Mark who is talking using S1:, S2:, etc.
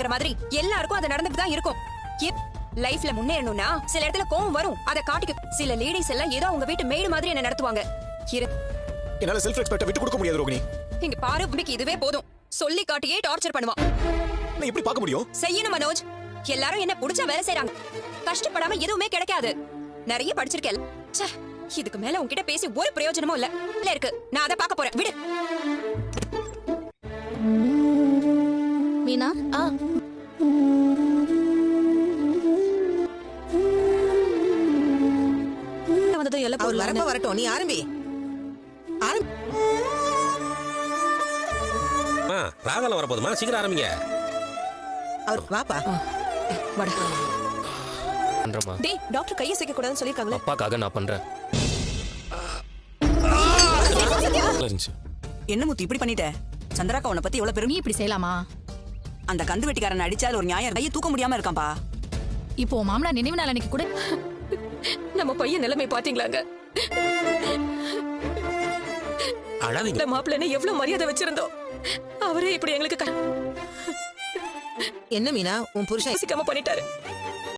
S1: நடக்கிற மாதிரி எல்லாருக்கும் அது நடந்துட்டு தான் இருக்கும். லைஃப்ல முன்னேறணும்னா சில இடத்துல கோவம் வரும், அதை காட்டிக்க. சில லேடிஸ் எல்லாம் ஏதோ அவங்க வீட்டு மேடு மாதிரி என்ன நடத்துவாங்க.
S2: என்னால செல்ஃப் ரெஸ்பெக்ட் விட்டு கொடுக்க முடியாது ரோகிணி.
S1: இங்க பாரு, உனக்கு இதுவே போதும். சொல்லி காட்டியே டார்ச்சர் பண்ணுவான்.
S2: நான் எப்படி பார்க்க முடியும்?
S1: செய்யணும் மனோஜ். எல்லாரும் என்ன புடிச்ச வேலை செய்றாங்க. கஷ்டப்படாம எதுவுமே கிடைக்காது. நிறைய படிச்சிருக்கேன். இதுக்கு மேல உன்கிட்ட பேசி ஒரு பிரயோஜனமும் இல்ல இருக்கு. நான் அதை பார்க்க போறேன். விடு
S3: மீனா. வந்ததும் எல்லாம்
S4: அவர் வரப்ப வரட்டும், நீ ஆரம்பி.
S5: ராகல வரப்போதுமா, சீக்கிரம் ஆரம்பிங்க.
S4: அவர் வாப்பா.
S3: பண்றமா. டேய், டாக்டர் கையை சேக்க கூடாதுன்னு சொல்லிருக்காங்களே.
S6: அப்பாக்காக நான் பண்றேன்.
S7: என்ன முத்து இப்படி பண்ணிட்ட? சந்திராக்கா உன்னை பத்தி எவ்வளவு பெருமை.
S3: இப்படி செய்யலாமா?
S7: அந்த கந்து வெட்டிக்காரன் அடிச்சால் ஒரு நியாயம். கையை தூக்க முடியாம இருக்கான்பா.
S3: இப்போ மாமலா நினைவு நாள் அன்னைக்கு கூட நம்ம பையன் நிலைமை பாத்தீங்களாங்க?
S5: அழாதீங்க.
S3: மாப்பிள்ளை எவ்வளவு மரியாதை வச்சிருந்தோம், அவரே இப்படி எங்களுக்கு
S4: என்ன மீனா, உன் புருஷன்
S3: பண்ணிட்டாரு.